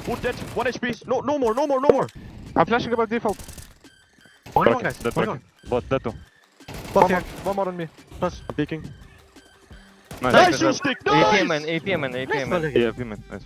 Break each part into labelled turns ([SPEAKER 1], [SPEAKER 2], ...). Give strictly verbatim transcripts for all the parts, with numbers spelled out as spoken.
[SPEAKER 1] Wood dead. One H P. No, no more, no more, no more.
[SPEAKER 2] I'm flashing about default.
[SPEAKER 3] One more, guys.
[SPEAKER 4] Dead
[SPEAKER 3] One
[SPEAKER 4] bracken.
[SPEAKER 3] more.
[SPEAKER 4] Bot, dead too.
[SPEAKER 3] Both
[SPEAKER 2] One
[SPEAKER 3] here.
[SPEAKER 2] more, one more on me.
[SPEAKER 3] Plus.
[SPEAKER 1] I'm peeking.
[SPEAKER 4] Nice.
[SPEAKER 1] Nice, you stick.
[SPEAKER 5] A P M
[SPEAKER 1] Nice.
[SPEAKER 5] man, A P M man, A P
[SPEAKER 3] Nice
[SPEAKER 5] M man.
[SPEAKER 3] volley.
[SPEAKER 4] Yeah, women. Nice.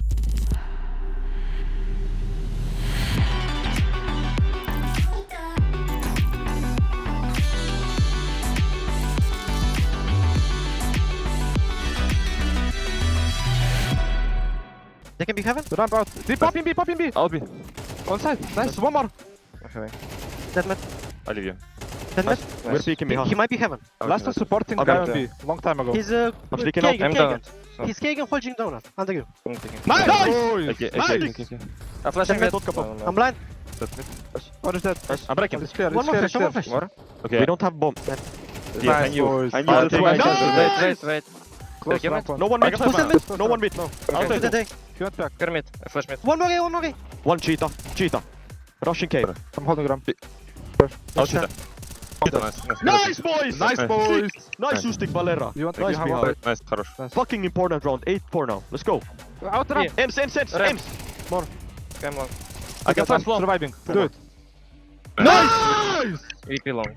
[SPEAKER 3] They can be heaven.
[SPEAKER 2] The ramp out. Deep, pop in B, pop in B.
[SPEAKER 4] I'll be.
[SPEAKER 2] On side. Nice. One more.
[SPEAKER 5] Okay.
[SPEAKER 3] Dead mid.
[SPEAKER 4] I'll leave you.
[SPEAKER 3] Dead mid.
[SPEAKER 1] We're peeking me,
[SPEAKER 3] He,
[SPEAKER 1] huh?
[SPEAKER 3] he might be heaven.
[SPEAKER 2] Last one supporting
[SPEAKER 1] Okay,
[SPEAKER 2] guy on
[SPEAKER 1] okay.
[SPEAKER 2] B. Long time ago.
[SPEAKER 3] He's uh,
[SPEAKER 1] I'm sneaking
[SPEAKER 3] Kagan,
[SPEAKER 1] out.
[SPEAKER 5] I'm
[SPEAKER 3] Kagan.
[SPEAKER 5] down. So,
[SPEAKER 3] He's Kagan holding donut. Under you.
[SPEAKER 5] I'm taking.
[SPEAKER 1] Nice.
[SPEAKER 2] Nice.
[SPEAKER 4] Okay,
[SPEAKER 1] Nice.
[SPEAKER 4] okay, okay, okay.
[SPEAKER 5] I'm flashing
[SPEAKER 1] Dead
[SPEAKER 5] mid.
[SPEAKER 1] mid, don't
[SPEAKER 5] No, no.
[SPEAKER 3] I'm blind.
[SPEAKER 4] That's it.
[SPEAKER 2] What is that?
[SPEAKER 4] I'm breaking.
[SPEAKER 2] It's clear.
[SPEAKER 3] One
[SPEAKER 2] It's
[SPEAKER 3] more
[SPEAKER 2] clear.
[SPEAKER 3] flash.
[SPEAKER 2] It's
[SPEAKER 3] One more
[SPEAKER 2] clear.
[SPEAKER 3] flash.
[SPEAKER 5] More?
[SPEAKER 4] Okay.
[SPEAKER 1] We don't have bomb.
[SPEAKER 4] Yeah, I
[SPEAKER 2] Nice,
[SPEAKER 4] knew.
[SPEAKER 2] boys.
[SPEAKER 4] I knew
[SPEAKER 5] I'll
[SPEAKER 4] that's
[SPEAKER 5] take
[SPEAKER 4] why I
[SPEAKER 5] my
[SPEAKER 1] Nice.
[SPEAKER 4] canceled.
[SPEAKER 5] chance. Wait, wait, wait.
[SPEAKER 2] Close
[SPEAKER 5] Take him
[SPEAKER 2] ramp one.
[SPEAKER 1] No one
[SPEAKER 4] I
[SPEAKER 1] mid.
[SPEAKER 4] got five
[SPEAKER 1] Mid.
[SPEAKER 4] man.
[SPEAKER 1] No one mid. No.
[SPEAKER 4] I'll
[SPEAKER 3] To
[SPEAKER 4] take
[SPEAKER 3] the
[SPEAKER 4] it.
[SPEAKER 3] day.
[SPEAKER 2] He went back.
[SPEAKER 5] Pyramid. I flash mid.
[SPEAKER 3] One more A, one more A.
[SPEAKER 1] One cheetah. Cheetah. Rushing cave.
[SPEAKER 2] I'm holding ramp.
[SPEAKER 4] I'll shoot that. Nice, nice.
[SPEAKER 1] Nice boys.
[SPEAKER 2] Nice boys.
[SPEAKER 1] Nice, you stick Valera.
[SPEAKER 2] You want to
[SPEAKER 1] Nice
[SPEAKER 2] have
[SPEAKER 1] behind.
[SPEAKER 2] one?
[SPEAKER 4] Nice, хорош.
[SPEAKER 1] Fucking important round. eight four now. Let's go.
[SPEAKER 2] Out ramp.
[SPEAKER 5] Yeah.
[SPEAKER 1] Ems, Ems, Ems,
[SPEAKER 5] Ramp.
[SPEAKER 1] Ems.
[SPEAKER 5] Come on.
[SPEAKER 1] I got
[SPEAKER 2] I'm
[SPEAKER 1] flash long.
[SPEAKER 2] surviving. Do it.
[SPEAKER 1] Nice.
[SPEAKER 5] A P long.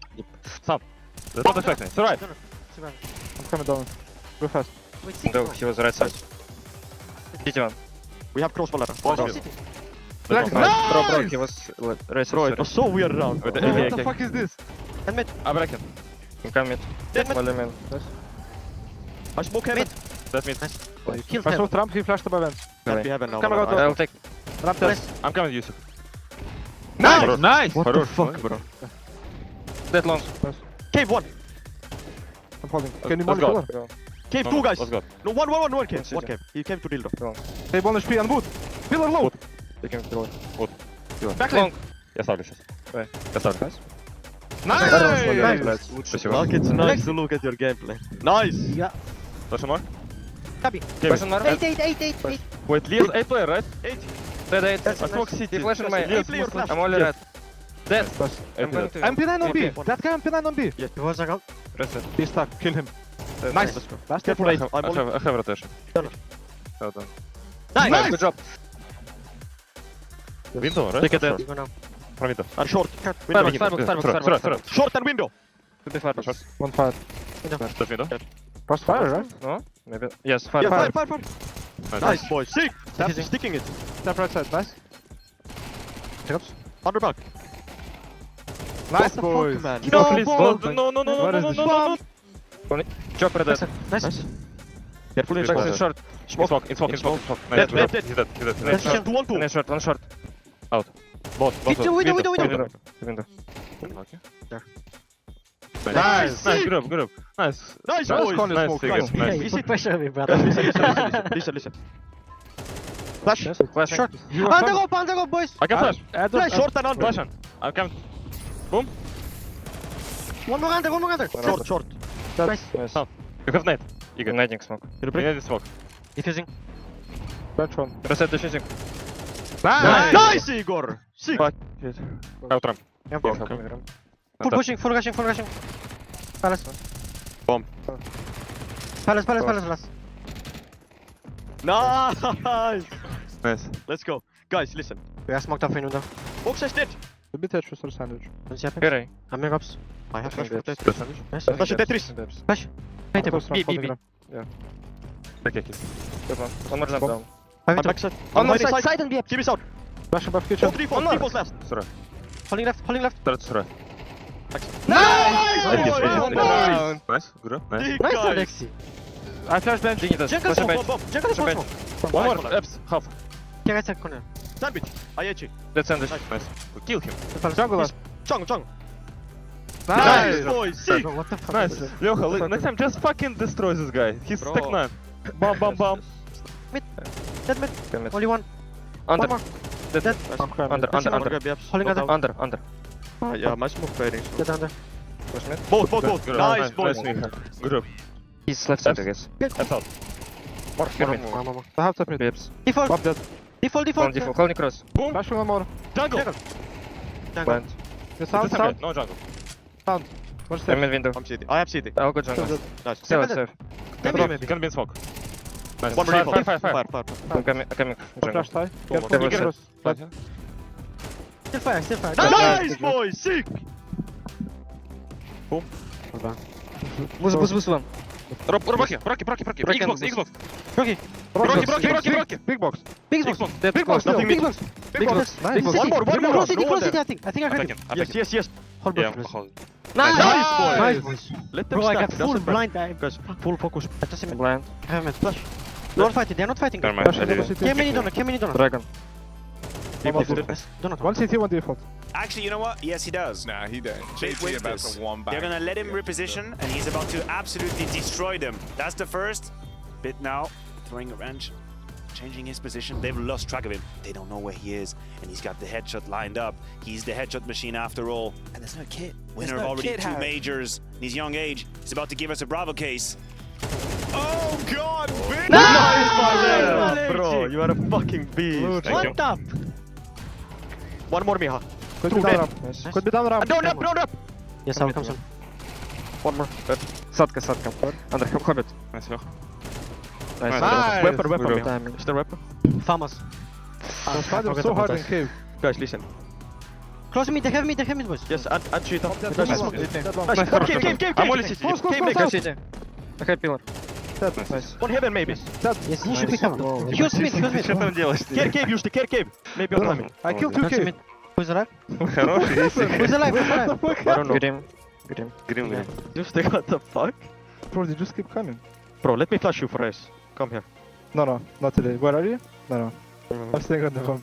[SPEAKER 4] That's not affecting. Survive.
[SPEAKER 2] I'm coming down. Go fast.
[SPEAKER 3] Wait, six.
[SPEAKER 5] No, he was right side. City one.
[SPEAKER 1] We have cross Valera.
[SPEAKER 3] One
[SPEAKER 1] Nice.
[SPEAKER 3] city.
[SPEAKER 2] Black.
[SPEAKER 5] Bro, bro, he was uh, right
[SPEAKER 1] Bro,
[SPEAKER 5] side.
[SPEAKER 1] it was so weird round.
[SPEAKER 4] With the
[SPEAKER 2] Oh,
[SPEAKER 4] A P,
[SPEAKER 2] what the
[SPEAKER 4] okay.
[SPEAKER 2] fuck is this?
[SPEAKER 3] And mid.
[SPEAKER 4] I'm breaking.
[SPEAKER 5] I'm coming.
[SPEAKER 3] Dead mid.
[SPEAKER 5] Volley man.
[SPEAKER 1] I smoke heaven.
[SPEAKER 4] That's me.
[SPEAKER 3] You killed
[SPEAKER 2] I
[SPEAKER 3] him.
[SPEAKER 2] saw Trump. He flashed above ends.
[SPEAKER 1] Can't be heaven now.
[SPEAKER 2] Come on,
[SPEAKER 1] Valera.
[SPEAKER 2] go,
[SPEAKER 5] I'll take.
[SPEAKER 2] Ramp test.
[SPEAKER 4] I'm coming, Yusuf.
[SPEAKER 1] Nice.
[SPEAKER 4] Nice.
[SPEAKER 1] What the
[SPEAKER 4] Хорош.
[SPEAKER 1] fuck, bro?
[SPEAKER 5] Dead long.
[SPEAKER 1] Cave one.
[SPEAKER 2] I'm holding. Can you
[SPEAKER 4] Let's
[SPEAKER 2] molly
[SPEAKER 4] go.
[SPEAKER 2] pillar?
[SPEAKER 1] Cave
[SPEAKER 4] No,
[SPEAKER 1] two
[SPEAKER 4] no,
[SPEAKER 1] guys.
[SPEAKER 4] Let's go.
[SPEAKER 1] No, one, one, one, one cave.
[SPEAKER 5] One
[SPEAKER 1] One
[SPEAKER 5] city.
[SPEAKER 1] cave. He came to dildo.
[SPEAKER 2] Hey, one H P and wood. Pillar low.
[SPEAKER 5] Taking pillar.
[SPEAKER 2] Back
[SPEAKER 5] Long.
[SPEAKER 2] lane.
[SPEAKER 4] Я ставлю сейчас.
[SPEAKER 5] Давай.
[SPEAKER 4] Я ставлю.
[SPEAKER 2] Nice.
[SPEAKER 4] Спасибо.
[SPEAKER 1] Look, it's nice to look at your gameplay. Nice.
[SPEAKER 3] Yeah.
[SPEAKER 4] Question more?
[SPEAKER 3] Copy.
[SPEAKER 5] Question mark.
[SPEAKER 3] Eight, eight, eight, eight, eight.
[SPEAKER 4] Wait, Leo's A player, right?
[SPEAKER 1] Eight.
[SPEAKER 5] Dead eight.
[SPEAKER 4] I smoke City.
[SPEAKER 5] He flashing my.
[SPEAKER 1] Eight player flash.
[SPEAKER 5] I'm only
[SPEAKER 1] Yeah.
[SPEAKER 5] red. Dead.
[SPEAKER 2] Plus.
[SPEAKER 5] I'm going to.
[SPEAKER 2] M P nine on B.
[SPEAKER 5] A P.
[SPEAKER 2] That guy M P nine on B.
[SPEAKER 3] He was like, oh,
[SPEAKER 5] Reset.
[SPEAKER 2] He's stuck. Kill him.
[SPEAKER 5] Dead.
[SPEAKER 2] Nice.
[SPEAKER 1] Let's go.
[SPEAKER 2] Last
[SPEAKER 1] Careful,
[SPEAKER 2] hit.
[SPEAKER 1] eight. I'm
[SPEAKER 4] I
[SPEAKER 1] on.
[SPEAKER 4] have, I have rotation.
[SPEAKER 1] Done.
[SPEAKER 4] Well done.
[SPEAKER 5] Nice. Good job.
[SPEAKER 4] Window, right?
[SPEAKER 5] Take it
[SPEAKER 3] you
[SPEAKER 5] dead.
[SPEAKER 3] go now.
[SPEAKER 4] From window.
[SPEAKER 1] And short.
[SPEAKER 5] Firebox,
[SPEAKER 1] Window.
[SPEAKER 5] firebox, firebox,
[SPEAKER 4] Throw, throw,
[SPEAKER 5] firebox.
[SPEAKER 4] throw.
[SPEAKER 5] firebox.
[SPEAKER 1] Short and window.
[SPEAKER 5] Could be firebox.
[SPEAKER 2] One fire.
[SPEAKER 4] That's window.
[SPEAKER 2] First fire, right?
[SPEAKER 5] No? Maybe. Yes,
[SPEAKER 1] Yeah,
[SPEAKER 5] fire.
[SPEAKER 1] fire, fire, fire.
[SPEAKER 4] Nice.
[SPEAKER 1] Nice, boys. Sick. That's
[SPEAKER 3] Easy.
[SPEAKER 1] sticking it.
[SPEAKER 2] Step right side. Nice.
[SPEAKER 1] Under back.
[SPEAKER 2] Nice,
[SPEAKER 1] the
[SPEAKER 2] boys.
[SPEAKER 1] fuck, man?
[SPEAKER 4] No,
[SPEAKER 1] No,
[SPEAKER 4] please,
[SPEAKER 1] ball.
[SPEAKER 4] don't. No, no, no,
[SPEAKER 2] What
[SPEAKER 4] no,
[SPEAKER 2] is
[SPEAKER 4] no,
[SPEAKER 2] this?
[SPEAKER 4] no, no, no.
[SPEAKER 5] Chopper dead.
[SPEAKER 3] Nice.
[SPEAKER 1] Nice. Careful,
[SPEAKER 4] Check
[SPEAKER 1] Jackson.
[SPEAKER 4] this.
[SPEAKER 5] Short.
[SPEAKER 4] In smoke, in smoke, in smoke, in smoke.
[SPEAKER 1] Dead,
[SPEAKER 4] Nice,
[SPEAKER 1] dead,
[SPEAKER 4] he's
[SPEAKER 1] dead.
[SPEAKER 4] He's dead, he's dead, he's
[SPEAKER 3] Nice.
[SPEAKER 4] dead.
[SPEAKER 1] Short, two, one, two.
[SPEAKER 5] One short, one short.
[SPEAKER 4] Both, both.
[SPEAKER 3] Window, window, window, window.
[SPEAKER 5] Window. Window.
[SPEAKER 4] Okay.
[SPEAKER 3] There.
[SPEAKER 4] Nice, nice, good up, good up. Nice.
[SPEAKER 1] Nice,
[SPEAKER 2] Nice
[SPEAKER 1] boys.
[SPEAKER 2] corner
[SPEAKER 4] Nice,
[SPEAKER 2] smoke.
[SPEAKER 4] figure,
[SPEAKER 2] Nice.
[SPEAKER 3] Yeah,
[SPEAKER 4] nice.
[SPEAKER 3] you put pressure on me, brother.
[SPEAKER 1] Listen, listen, listen, listen, listen. Flash.
[SPEAKER 5] Flashing.
[SPEAKER 3] Short.
[SPEAKER 2] You are
[SPEAKER 3] Under
[SPEAKER 2] coming.
[SPEAKER 3] rope, under rope, boys.
[SPEAKER 4] I can flash.
[SPEAKER 2] Add
[SPEAKER 1] Flash,
[SPEAKER 2] up.
[SPEAKER 1] short and under.
[SPEAKER 4] Flash on. I'm coming.
[SPEAKER 3] One more under, one more under.
[SPEAKER 1] Short, short.
[SPEAKER 3] Nice.
[SPEAKER 5] Nice.
[SPEAKER 4] You have net. Igor.
[SPEAKER 5] Igniting smoke.
[SPEAKER 1] You
[SPEAKER 4] You
[SPEAKER 1] break.
[SPEAKER 4] need smoke.
[SPEAKER 3] Defusing.
[SPEAKER 2] Bench one.
[SPEAKER 5] Reset defusing.
[SPEAKER 2] Nice.
[SPEAKER 1] Nice, Igor. Sick.
[SPEAKER 4] Fuck. Out ramp.
[SPEAKER 3] Yeah,
[SPEAKER 5] Yeah,
[SPEAKER 3] full
[SPEAKER 5] coming around.
[SPEAKER 3] pushing, full rushing, full rushing. Palace.
[SPEAKER 1] Bomb.
[SPEAKER 3] Palace, palace, palace, palace.
[SPEAKER 1] Nice.
[SPEAKER 4] Nice.
[SPEAKER 1] Let's go. Guys, listen.
[SPEAKER 3] We are smoked up in window.
[SPEAKER 1] Box is dead.
[SPEAKER 2] A bit edge for sandwich.
[SPEAKER 3] Don't see happen.
[SPEAKER 5] Carry.
[SPEAKER 3] I'm in ups.
[SPEAKER 1] I have flash for
[SPEAKER 5] Nice.
[SPEAKER 1] dead.
[SPEAKER 3] Nice.
[SPEAKER 1] Flash is Tetris.
[SPEAKER 3] Flash. Paint him.
[SPEAKER 2] Close ramp,
[SPEAKER 5] B, B,
[SPEAKER 2] holding
[SPEAKER 5] B.
[SPEAKER 2] ramp.
[SPEAKER 4] Okay, okay.
[SPEAKER 5] Good one. One more jump
[SPEAKER 2] Bomb.
[SPEAKER 5] down.
[SPEAKER 3] Five
[SPEAKER 1] I'm
[SPEAKER 3] into.
[SPEAKER 1] backside.
[SPEAKER 3] On
[SPEAKER 1] I'm
[SPEAKER 3] the
[SPEAKER 1] hiding
[SPEAKER 3] side, side and B.
[SPEAKER 1] Keep us out.
[SPEAKER 2] Flash above
[SPEAKER 1] Oh,
[SPEAKER 2] kitchen.
[SPEAKER 1] three falls,
[SPEAKER 3] One
[SPEAKER 1] three
[SPEAKER 3] more.
[SPEAKER 1] falls left.
[SPEAKER 4] Surah.
[SPEAKER 3] Holding left, holding left.
[SPEAKER 4] Start Surah.
[SPEAKER 1] Nice,
[SPEAKER 4] Nice,
[SPEAKER 1] boys.
[SPEAKER 4] nice,
[SPEAKER 1] Nice.
[SPEAKER 4] Nice. Good up. Nice.
[SPEAKER 1] Big
[SPEAKER 3] Nice,
[SPEAKER 1] guys.
[SPEAKER 3] Alexi.
[SPEAKER 2] I flash bench.
[SPEAKER 5] Dignity does.
[SPEAKER 3] Jungle
[SPEAKER 5] Flash
[SPEAKER 3] smoke,
[SPEAKER 5] bench.
[SPEAKER 1] Bomb, bomb.
[SPEAKER 3] Jungle
[SPEAKER 5] Flash
[SPEAKER 3] smoke.
[SPEAKER 5] bench.
[SPEAKER 4] One
[SPEAKER 1] Nice,
[SPEAKER 4] more.
[SPEAKER 1] nice.
[SPEAKER 4] Eps. Half.
[SPEAKER 3] Yeah, right side corner.
[SPEAKER 1] Sandwich. I H E.
[SPEAKER 5] Dead sandwich.
[SPEAKER 4] Nice. We kill him.
[SPEAKER 2] Jungle last.
[SPEAKER 1] Chung, chung.
[SPEAKER 2] Nice.
[SPEAKER 1] Nice, boys. Sick.
[SPEAKER 3] Bro, what the fuck
[SPEAKER 4] Nice.
[SPEAKER 3] is this?
[SPEAKER 4] Leocha, li- next time just fucking destroy this guy. He's
[SPEAKER 1] Bro.
[SPEAKER 4] stack nine. Bam, bam, bam.
[SPEAKER 3] Dead mid.
[SPEAKER 5] Commit.
[SPEAKER 3] Only one.
[SPEAKER 5] Under.
[SPEAKER 3] One more.
[SPEAKER 5] Dead.
[SPEAKER 3] Dead.
[SPEAKER 2] I'm cramming.
[SPEAKER 5] Under, under, under.
[SPEAKER 1] Grab yaps.
[SPEAKER 3] Holding
[SPEAKER 1] Not
[SPEAKER 3] under.
[SPEAKER 1] out.
[SPEAKER 5] Under, under.
[SPEAKER 1] Ah, yeah, my smoke fading. so-
[SPEAKER 3] Dead under.
[SPEAKER 5] Flash mid.
[SPEAKER 1] Both, both, both.
[SPEAKER 4] Good.
[SPEAKER 1] Nice, boys.
[SPEAKER 4] Nice, Miha. Good up.
[SPEAKER 5] He's left side, I guess.
[SPEAKER 4] That's out.
[SPEAKER 5] More. Get
[SPEAKER 3] One
[SPEAKER 5] mid.
[SPEAKER 3] more, one more, one more.
[SPEAKER 2] I have top mid.
[SPEAKER 5] Babes.
[SPEAKER 3] Default.
[SPEAKER 2] Bomb dead.
[SPEAKER 3] Default,
[SPEAKER 5] One
[SPEAKER 3] default.
[SPEAKER 5] default. Call me cross.
[SPEAKER 4] Boom.
[SPEAKER 2] Flashing one more.
[SPEAKER 4] Jungle.
[SPEAKER 1] Jungle.
[SPEAKER 5] Blind.
[SPEAKER 2] The sound,
[SPEAKER 4] It's a
[SPEAKER 2] sound.
[SPEAKER 4] No jungle.
[SPEAKER 2] One
[SPEAKER 5] I'm
[SPEAKER 2] step.
[SPEAKER 5] in window.
[SPEAKER 1] I'm C T. I have C T.
[SPEAKER 5] I'll go jungle.
[SPEAKER 1] Nice.
[SPEAKER 5] Save it, save.
[SPEAKER 3] Maybe,
[SPEAKER 4] Can
[SPEAKER 3] maybe.
[SPEAKER 4] Can be in smoke.
[SPEAKER 1] Nice,
[SPEAKER 4] Nice.
[SPEAKER 1] One more
[SPEAKER 4] Fire,
[SPEAKER 1] default.
[SPEAKER 4] fire, fire, fire.
[SPEAKER 1] Fire, fire.
[SPEAKER 5] I'm coming, I'm coming.
[SPEAKER 2] One flash tie. Careful,
[SPEAKER 5] There was
[SPEAKER 2] careful.
[SPEAKER 4] Plant,
[SPEAKER 2] Plant.
[SPEAKER 4] yeah?
[SPEAKER 3] Still fire, still fire.
[SPEAKER 1] Nice, boys! Sick!
[SPEAKER 3] Hold on.
[SPEAKER 5] Boost, boost, boost one.
[SPEAKER 4] Rob, Rocky, Rocky, Rocky, Rocky.
[SPEAKER 5] Rocky
[SPEAKER 4] Xbox,
[SPEAKER 5] and
[SPEAKER 4] Xbox.
[SPEAKER 3] Rocky.
[SPEAKER 4] Rocky, Rocky, Rocky, Rocky.
[SPEAKER 2] Big box.
[SPEAKER 3] Big box.
[SPEAKER 4] Xbox.
[SPEAKER 5] Dead
[SPEAKER 2] Big
[SPEAKER 5] close.
[SPEAKER 2] box.
[SPEAKER 1] Nothing
[SPEAKER 3] Big
[SPEAKER 1] mid.
[SPEAKER 3] box.
[SPEAKER 2] Big box.
[SPEAKER 3] Nice.
[SPEAKER 2] Nice.
[SPEAKER 1] One more, one more.
[SPEAKER 3] Close city,
[SPEAKER 1] No
[SPEAKER 3] close
[SPEAKER 1] one
[SPEAKER 3] city, I think. I think I
[SPEAKER 4] I
[SPEAKER 3] heard
[SPEAKER 4] take
[SPEAKER 3] it.
[SPEAKER 4] him. I
[SPEAKER 1] Yes,
[SPEAKER 4] take him.
[SPEAKER 1] yes, yes.
[SPEAKER 3] Hold
[SPEAKER 4] Yeah,
[SPEAKER 3] on.
[SPEAKER 4] I'm holding.
[SPEAKER 5] Nice.
[SPEAKER 1] Nice, boys.
[SPEAKER 3] Nice, boys.
[SPEAKER 1] Let them
[SPEAKER 3] Bro, I
[SPEAKER 1] stack.
[SPEAKER 3] got full
[SPEAKER 1] Doesn't matter.
[SPEAKER 3] blind. I
[SPEAKER 1] Guys, full focus.
[SPEAKER 3] I just him.
[SPEAKER 5] Blind.
[SPEAKER 3] I have him. Flash. They're not fighting. They're not fighting.
[SPEAKER 4] Never mind.
[SPEAKER 2] Flash
[SPEAKER 4] I
[SPEAKER 2] in the
[SPEAKER 4] did it.
[SPEAKER 2] city.
[SPEAKER 3] Came many donut. Came many donut.
[SPEAKER 5] Dragon.
[SPEAKER 1] Default.
[SPEAKER 3] Yes, donut.
[SPEAKER 2] One C T, one default.
[SPEAKER 6] Actually, you know what? Yes, he does.
[SPEAKER 7] Nah, he didn't.
[SPEAKER 6] They
[SPEAKER 7] J T
[SPEAKER 6] win
[SPEAKER 7] about
[SPEAKER 6] this.
[SPEAKER 7] to one back.
[SPEAKER 6] They're gonna let him reposition, and he's about to absolutely destroy them. That's the first bit now. Throwing a wrench, changing his position. They've lost track of him. They don't know where he is, and he's got the headshot lined up. He's the headshot machine after all. And there's no kid. Winner of
[SPEAKER 7] no
[SPEAKER 6] already
[SPEAKER 7] kid,
[SPEAKER 6] two
[SPEAKER 7] Harry.
[SPEAKER 6] majors in his young age. He's about to give us a Bravo case.
[SPEAKER 7] Oh God, big
[SPEAKER 1] Nice,
[SPEAKER 3] Valero.
[SPEAKER 1] Valero! Bro, you are a fucking beast.
[SPEAKER 4] Thank you.
[SPEAKER 3] What up?
[SPEAKER 1] One more, Miha.
[SPEAKER 2] Could
[SPEAKER 1] Two
[SPEAKER 2] be down
[SPEAKER 1] dead.
[SPEAKER 2] ramp.
[SPEAKER 5] Nice.
[SPEAKER 2] Could be down ramp.
[SPEAKER 1] Uh, don't up, don't up!
[SPEAKER 3] Yes, I'll come soon.
[SPEAKER 1] One more. Dead.
[SPEAKER 5] Садка, садка. Under, Hobbit.
[SPEAKER 4] Nice, Lech.
[SPEAKER 5] Nice.
[SPEAKER 1] Nice. Weapon, weapon,
[SPEAKER 5] Good
[SPEAKER 1] Miha.
[SPEAKER 5] timing.
[SPEAKER 1] Is there weapon?
[SPEAKER 3] Farmers.
[SPEAKER 2] The spider was so hard in cave.
[SPEAKER 1] Guys, listen.
[SPEAKER 3] Close me, they have me, they have me, boys.
[SPEAKER 1] Yes, add, add cheetah.
[SPEAKER 2] Dead
[SPEAKER 1] Nice.
[SPEAKER 2] one. Dead one.
[SPEAKER 1] Nice.
[SPEAKER 5] Nice.
[SPEAKER 1] One cave, cave, cave,
[SPEAKER 4] I'm
[SPEAKER 1] cave.
[SPEAKER 4] only city.
[SPEAKER 2] Close, close,
[SPEAKER 1] Cave
[SPEAKER 2] close,
[SPEAKER 1] next.
[SPEAKER 2] close.
[SPEAKER 5] City. I had pillar.
[SPEAKER 2] Dead.
[SPEAKER 5] Nice.
[SPEAKER 1] One heaven, maybe.
[SPEAKER 2] Dead.
[SPEAKER 3] Yes, you should be covered.
[SPEAKER 2] Oh.
[SPEAKER 3] He was mid, he was mid.
[SPEAKER 4] Что там делаешь?
[SPEAKER 1] Care cave, use the care cave. Maybe on timing.
[SPEAKER 2] I killed two
[SPEAKER 3] Close
[SPEAKER 2] cave.
[SPEAKER 3] mid. Who's alive?
[SPEAKER 4] Хороший, если.
[SPEAKER 3] Who's alive? Who's alive?
[SPEAKER 1] I don't know.
[SPEAKER 5] Grim. Grim.
[SPEAKER 4] Грим, грим.
[SPEAKER 1] Just what the fuck?
[SPEAKER 2] Bro, they just keep coming.
[SPEAKER 1] Bro, let me flash you for race. Come here.
[SPEAKER 2] No, no, not today. Where are you? No, no. I'm staying on the phone.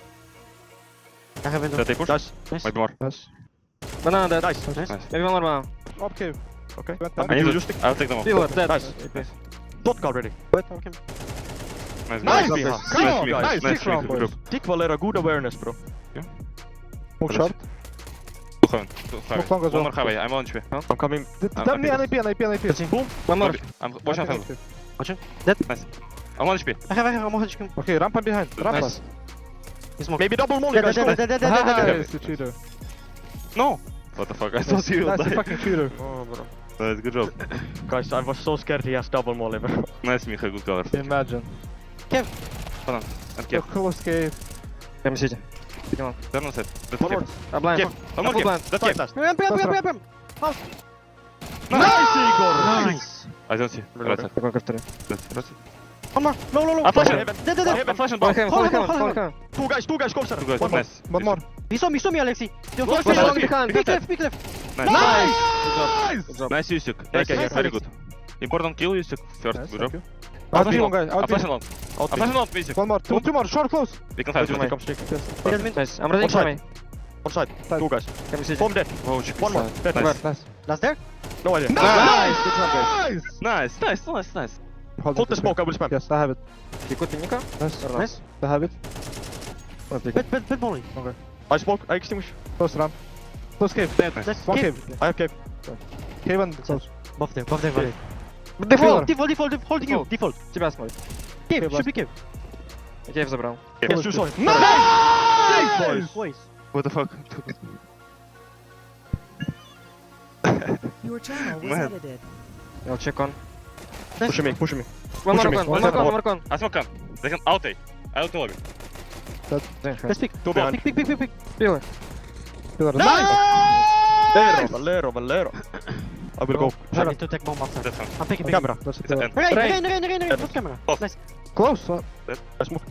[SPEAKER 3] I haven't
[SPEAKER 4] That they push?
[SPEAKER 1] Nice.
[SPEAKER 3] Nice.
[SPEAKER 4] Might be more.
[SPEAKER 2] Nice.
[SPEAKER 5] Banana dead.
[SPEAKER 1] Nice.
[SPEAKER 3] Nice.
[SPEAKER 4] Nice.
[SPEAKER 5] Maybe one more banana.
[SPEAKER 2] Up cave.
[SPEAKER 1] Okay.
[SPEAKER 2] Went
[SPEAKER 1] I
[SPEAKER 2] down.
[SPEAKER 4] I need
[SPEAKER 1] You
[SPEAKER 4] to
[SPEAKER 1] just
[SPEAKER 4] I'll take them off.
[SPEAKER 5] Pillar dead.
[SPEAKER 1] Nice. Vodka already.
[SPEAKER 3] Wait, okay.
[SPEAKER 4] Nice,
[SPEAKER 1] Nice,
[SPEAKER 4] guys.
[SPEAKER 1] Miha.
[SPEAKER 4] Nice,
[SPEAKER 1] Come on,
[SPEAKER 4] Miha.
[SPEAKER 1] guys.
[SPEAKER 4] Nice,
[SPEAKER 2] Six round,
[SPEAKER 4] Miha. Good
[SPEAKER 2] boys.
[SPEAKER 4] job.
[SPEAKER 1] Dick Valera, good awareness, bro.
[SPEAKER 2] Smoke shot.
[SPEAKER 4] Two heaven. Two heaven.
[SPEAKER 2] long as
[SPEAKER 4] One
[SPEAKER 2] well.
[SPEAKER 4] more heavy. I'm on H P.
[SPEAKER 1] I'm coming.
[SPEAKER 4] I'm
[SPEAKER 2] Tell me
[SPEAKER 4] happy.
[SPEAKER 2] N A P, N A P, N A P.
[SPEAKER 1] Boom.
[SPEAKER 5] One more.
[SPEAKER 4] I'm watching heaven.
[SPEAKER 3] Watching. Dead.
[SPEAKER 4] Nice. I'm on H P.
[SPEAKER 3] I have, I have, I'm on him.
[SPEAKER 2] Okay, rampa behind. Rampa.
[SPEAKER 5] Nice.
[SPEAKER 3] He's smoke.
[SPEAKER 1] Maybe double molly,
[SPEAKER 3] Dead,
[SPEAKER 1] guys.
[SPEAKER 3] dead,
[SPEAKER 1] Go.
[SPEAKER 3] dead, dead, dead, dead, dead, dead.
[SPEAKER 2] Nice, you cheater.
[SPEAKER 4] No! What the fuck? I thought you would
[SPEAKER 2] Nice, you
[SPEAKER 4] die.
[SPEAKER 2] fucking cheater.
[SPEAKER 1] Oh, bro.
[SPEAKER 4] Nice, good job.
[SPEAKER 1] Guys, I was so scared he has double molly, bro.
[SPEAKER 4] Nice, Miha. Good cover.
[SPEAKER 2] Imagine.
[SPEAKER 4] And
[SPEAKER 2] So
[SPEAKER 4] Kev.
[SPEAKER 2] close cave.
[SPEAKER 5] Come City. Come on.
[SPEAKER 4] Turn on set. That's
[SPEAKER 1] One more.
[SPEAKER 4] Kev.
[SPEAKER 5] Ah, blind.
[SPEAKER 1] Kev.
[SPEAKER 4] One more
[SPEAKER 5] Full
[SPEAKER 4] Kev.
[SPEAKER 5] blind.
[SPEAKER 4] That's
[SPEAKER 1] Five
[SPEAKER 4] Kev.
[SPEAKER 1] last.
[SPEAKER 3] Ramp, ramp,
[SPEAKER 2] That's
[SPEAKER 3] ramp, ramp, ramp.
[SPEAKER 1] Nice, Igor.
[SPEAKER 3] Nice.
[SPEAKER 4] I don't see. Right side.
[SPEAKER 5] Такой ковтори.
[SPEAKER 4] That's that's it.
[SPEAKER 3] One more. Low, low, low.
[SPEAKER 4] I'm flashing.
[SPEAKER 1] Heaven.
[SPEAKER 3] Dead, dead,
[SPEAKER 1] I'm
[SPEAKER 3] dead.
[SPEAKER 1] heaven.
[SPEAKER 4] Flash and
[SPEAKER 5] Hold
[SPEAKER 4] bomb.
[SPEAKER 5] him,
[SPEAKER 3] Hold
[SPEAKER 5] hold
[SPEAKER 3] him,
[SPEAKER 5] him,
[SPEAKER 3] hold
[SPEAKER 5] hold
[SPEAKER 3] him.
[SPEAKER 5] him.
[SPEAKER 1] Two guys, two guys, come sir.
[SPEAKER 4] Two guys.
[SPEAKER 1] One more.
[SPEAKER 4] Nice.
[SPEAKER 2] One more.
[SPEAKER 3] He saw me, he saw me, Alexi. You're
[SPEAKER 1] One
[SPEAKER 3] first,
[SPEAKER 1] more.
[SPEAKER 3] first,
[SPEAKER 1] One
[SPEAKER 3] first. Pick left, pick left.
[SPEAKER 4] Nice.
[SPEAKER 1] Nice.
[SPEAKER 5] Good job.
[SPEAKER 4] Nice, Yusuk.
[SPEAKER 1] Okay,
[SPEAKER 4] Nice,
[SPEAKER 1] here.
[SPEAKER 4] very good. Important kill, Yusuk. First,
[SPEAKER 2] Nice,
[SPEAKER 4] good
[SPEAKER 2] thank
[SPEAKER 4] job.
[SPEAKER 2] you.
[SPEAKER 4] I'm
[SPEAKER 2] Out
[SPEAKER 4] flashing
[SPEAKER 2] one
[SPEAKER 4] long.
[SPEAKER 2] guy,
[SPEAKER 4] I'm
[SPEAKER 2] out
[SPEAKER 4] flashing long.
[SPEAKER 1] Out
[SPEAKER 4] I'm flashing long, Yusuk.
[SPEAKER 2] One more. Two, two more. Short close.
[SPEAKER 4] We can fight.
[SPEAKER 1] Come,
[SPEAKER 4] Come
[SPEAKER 1] come stick.
[SPEAKER 3] He doesn't mean.
[SPEAKER 5] Nice. I'm running
[SPEAKER 1] One
[SPEAKER 5] for
[SPEAKER 1] side.
[SPEAKER 5] me.
[SPEAKER 1] One side. Two guys.
[SPEAKER 5] Come City.
[SPEAKER 1] Bomb dead.
[SPEAKER 4] Oh, chick.
[SPEAKER 1] One more. Dead.
[SPEAKER 4] Nice.
[SPEAKER 2] Nice.
[SPEAKER 3] Last there?
[SPEAKER 1] No idea.
[SPEAKER 2] Nice. Good job, guys.
[SPEAKER 4] Nice, nice, nice, nice.
[SPEAKER 1] Hold the smoke, I will spam.
[SPEAKER 2] Yes, I have it.
[SPEAKER 5] You could be Nika?
[SPEAKER 2] Nice.
[SPEAKER 3] Nice.
[SPEAKER 2] I have it.
[SPEAKER 3] Pit, pit, pit, molly.
[SPEAKER 1] I smoke, I extinguish.
[SPEAKER 2] Close ramp. Close cave.
[SPEAKER 3] Nice.
[SPEAKER 2] One
[SPEAKER 3] Cave.
[SPEAKER 2] cave.
[SPEAKER 1] I have cave.
[SPEAKER 2] Cave and close.
[SPEAKER 3] Buff there, buff there, valley.
[SPEAKER 2] Default.
[SPEAKER 3] Default, default, default, holding you.
[SPEAKER 5] Default.
[SPEAKER 3] Default.
[SPEAKER 5] Тебя смотрит.
[SPEAKER 3] Cave,
[SPEAKER 2] Cave
[SPEAKER 3] should be cave.
[SPEAKER 5] Кейв забрал.
[SPEAKER 1] Yes, you saw it.
[SPEAKER 3] Nice! Boys.
[SPEAKER 4] What the fuck?
[SPEAKER 8] Your channel was
[SPEAKER 4] Man.
[SPEAKER 8] edited.
[SPEAKER 5] I'll check on.
[SPEAKER 1] Push me, push me.
[SPEAKER 5] One more
[SPEAKER 1] Push me.
[SPEAKER 5] con,
[SPEAKER 1] One
[SPEAKER 5] one more
[SPEAKER 1] second.
[SPEAKER 5] con, one more con.
[SPEAKER 4] I smoke can. They can out A. I out lobby.
[SPEAKER 3] Let's pick.
[SPEAKER 1] Two behind.
[SPEAKER 3] Pick, pick, pick, pick, pick.
[SPEAKER 5] Pillar.
[SPEAKER 2] Pillar.
[SPEAKER 1] Valero, Valero, Valero. I will go.
[SPEAKER 3] I need to take bomb after.
[SPEAKER 4] That's fine.
[SPEAKER 3] I'm taking big.
[SPEAKER 1] Camera.
[SPEAKER 2] That's
[SPEAKER 4] It's an
[SPEAKER 2] it.
[SPEAKER 4] end.
[SPEAKER 3] Rain,
[SPEAKER 5] Rain.
[SPEAKER 3] rain, rain, rain, rain.
[SPEAKER 1] Yes.
[SPEAKER 3] What camera?
[SPEAKER 4] Close.
[SPEAKER 3] Nice.
[SPEAKER 2] Close. Uh,
[SPEAKER 1] I smoke.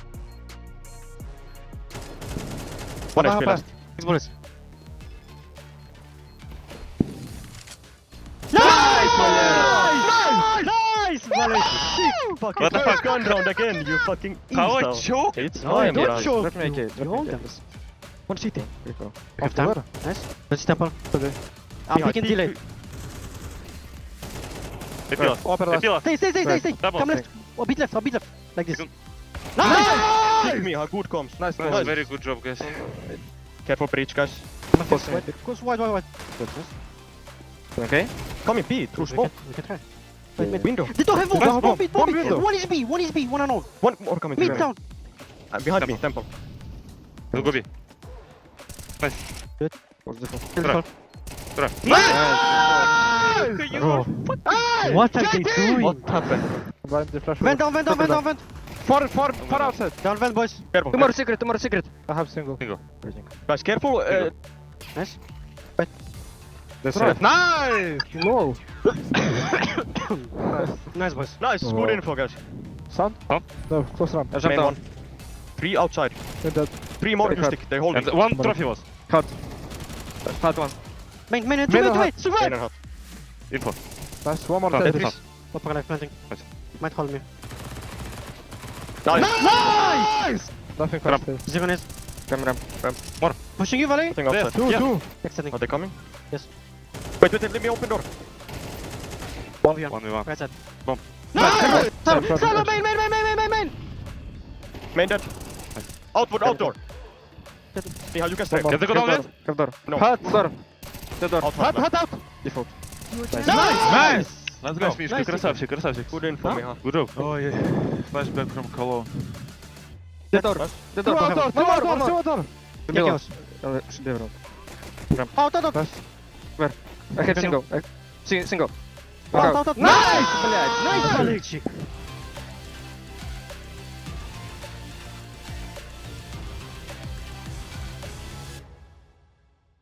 [SPEAKER 1] One H P last.
[SPEAKER 3] Six bullets.
[SPEAKER 1] Nice, Valero!
[SPEAKER 3] Nice! Valley.
[SPEAKER 1] Fucking
[SPEAKER 4] What the
[SPEAKER 1] first
[SPEAKER 4] fuck?
[SPEAKER 1] gun round again, you fucking
[SPEAKER 4] How I
[SPEAKER 1] insta.
[SPEAKER 4] choke?
[SPEAKER 1] It's
[SPEAKER 3] No,
[SPEAKER 1] fine,
[SPEAKER 3] don't
[SPEAKER 1] bro.
[SPEAKER 3] choke.
[SPEAKER 5] Let me make it.
[SPEAKER 3] You
[SPEAKER 5] Let me
[SPEAKER 3] hold
[SPEAKER 5] make
[SPEAKER 3] them.
[SPEAKER 5] it.
[SPEAKER 1] One city.
[SPEAKER 3] Off time. Nice. Let's temple.
[SPEAKER 2] Okay.
[SPEAKER 3] I'm
[SPEAKER 1] Behind.
[SPEAKER 3] picking delay.
[SPEAKER 4] They peel us.
[SPEAKER 2] Open
[SPEAKER 4] They
[SPEAKER 2] last.
[SPEAKER 4] peel us.
[SPEAKER 3] Stay, stay, stay, stay, stay.
[SPEAKER 4] Double.
[SPEAKER 3] Come left. Oh, beat left, oh, beat left. Like this.
[SPEAKER 4] Second.
[SPEAKER 3] Nice!
[SPEAKER 1] Kick me, how good comes.
[SPEAKER 2] Nice.
[SPEAKER 4] Nice,
[SPEAKER 1] Nice.
[SPEAKER 4] very good job, guys.
[SPEAKER 1] Careful breach, guys.
[SPEAKER 3] Close wide, close wide, wide, wide.
[SPEAKER 5] Okay?
[SPEAKER 1] Come in B, through
[SPEAKER 3] We
[SPEAKER 1] smoke.
[SPEAKER 3] can, we can try. Wait, wait.
[SPEAKER 1] Window.
[SPEAKER 3] They don't have bomb.
[SPEAKER 2] Nice
[SPEAKER 3] Bomb,
[SPEAKER 2] bomb.
[SPEAKER 3] beat, bomb,
[SPEAKER 2] Bomb
[SPEAKER 3] beat.
[SPEAKER 2] window.
[SPEAKER 3] One is B, one is B, one and all.
[SPEAKER 1] One more coming.
[SPEAKER 3] Mid
[SPEAKER 1] to me.
[SPEAKER 3] down.
[SPEAKER 1] Uh, behind me, temple.
[SPEAKER 4] We'll go B. Nice.
[SPEAKER 5] What's the fuck?
[SPEAKER 3] Kill the
[SPEAKER 4] Try.
[SPEAKER 3] fall.
[SPEAKER 4] Try.
[SPEAKER 3] Bro, what are they doing?
[SPEAKER 1] What happened?
[SPEAKER 2] Blind the flash.
[SPEAKER 3] Vent down, vent down, vent down, vent.
[SPEAKER 2] Far, far, far outside.
[SPEAKER 3] Down vent, boys.
[SPEAKER 4] Careful.
[SPEAKER 5] Two more secret, two more secret.
[SPEAKER 2] I have single.
[SPEAKER 4] Guys, careful. Uh,
[SPEAKER 3] Nice.
[SPEAKER 4] that's
[SPEAKER 2] Right.
[SPEAKER 4] right. Nice!
[SPEAKER 2] No.
[SPEAKER 3] Nice, boys.
[SPEAKER 4] Nice,
[SPEAKER 2] Oh.
[SPEAKER 4] good info, guys.
[SPEAKER 2] Sun?
[SPEAKER 4] Huh?
[SPEAKER 2] No, close ramp.
[SPEAKER 5] I jumped
[SPEAKER 4] Main
[SPEAKER 5] down.
[SPEAKER 4] one. Three outside.
[SPEAKER 2] In that.
[SPEAKER 4] Three more
[SPEAKER 2] Very
[SPEAKER 4] you
[SPEAKER 2] hard.
[SPEAKER 4] stick. They're holding.
[SPEAKER 7] And one trophy was.
[SPEAKER 2] Cut.
[SPEAKER 5] Hard one.
[SPEAKER 3] Main, main,
[SPEAKER 2] Main
[SPEAKER 3] two,
[SPEAKER 2] or
[SPEAKER 3] two,
[SPEAKER 2] hot?
[SPEAKER 3] wait, survive.
[SPEAKER 4] Main and hot.
[SPEAKER 7] Info.
[SPEAKER 2] Nice. One more
[SPEAKER 7] Cut.
[SPEAKER 2] dead.
[SPEAKER 7] Tetris.
[SPEAKER 3] Upper life planting.
[SPEAKER 7] Nice.
[SPEAKER 3] Might hold me.
[SPEAKER 4] Nice.
[SPEAKER 2] Nice! Nothing
[SPEAKER 7] Ramp.
[SPEAKER 2] fast. there.
[SPEAKER 3] Zero nades.
[SPEAKER 5] Come ramp, ramp.
[SPEAKER 3] Pushing you, Valley.
[SPEAKER 4] Nothing outside.
[SPEAKER 2] Two,
[SPEAKER 7] Yeah.
[SPEAKER 2] two.
[SPEAKER 3] Extending.
[SPEAKER 4] Are they coming?
[SPEAKER 3] Yes.
[SPEAKER 4] Wait, wait, let me open door.
[SPEAKER 3] one v one.
[SPEAKER 7] One v one.
[SPEAKER 3] Right side.
[SPEAKER 7] Bomb.
[SPEAKER 3] Nice! Solo,
[SPEAKER 2] Front,
[SPEAKER 3] solo,
[SPEAKER 2] front.
[SPEAKER 3] main, main, main, main, main, main, main.
[SPEAKER 4] Main dead. Outward, outdoor. Mihal, you can stay.
[SPEAKER 2] One
[SPEAKER 7] Get the go down yet?
[SPEAKER 5] Cap door.
[SPEAKER 4] No.
[SPEAKER 2] Hot.
[SPEAKER 5] Door. The door.
[SPEAKER 4] Out,
[SPEAKER 2] Hot, hot, out.
[SPEAKER 5] Default.
[SPEAKER 3] Nice!
[SPEAKER 7] Nice! Let's go.
[SPEAKER 3] Nice.
[SPEAKER 7] Красавчик, красавчик.
[SPEAKER 4] Good info,
[SPEAKER 7] Huh?
[SPEAKER 4] Mihal.
[SPEAKER 7] Good job.
[SPEAKER 3] Oh, yeah.
[SPEAKER 7] Flashback from Cologne.
[SPEAKER 5] The door. The
[SPEAKER 2] Two
[SPEAKER 5] door.
[SPEAKER 2] outdoor, two
[SPEAKER 5] One more,
[SPEAKER 2] outdoor,
[SPEAKER 5] one
[SPEAKER 2] two
[SPEAKER 5] more.
[SPEAKER 2] outdoor.
[SPEAKER 3] Yeah, chaos.
[SPEAKER 5] Uh, should be around.
[SPEAKER 3] Out, out, out.
[SPEAKER 2] Nice.
[SPEAKER 5] I had single. I, si- single.
[SPEAKER 3] Out,
[SPEAKER 5] Out.
[SPEAKER 3] out, out.
[SPEAKER 5] Nice!
[SPEAKER 3] Блядь, nice, Valley.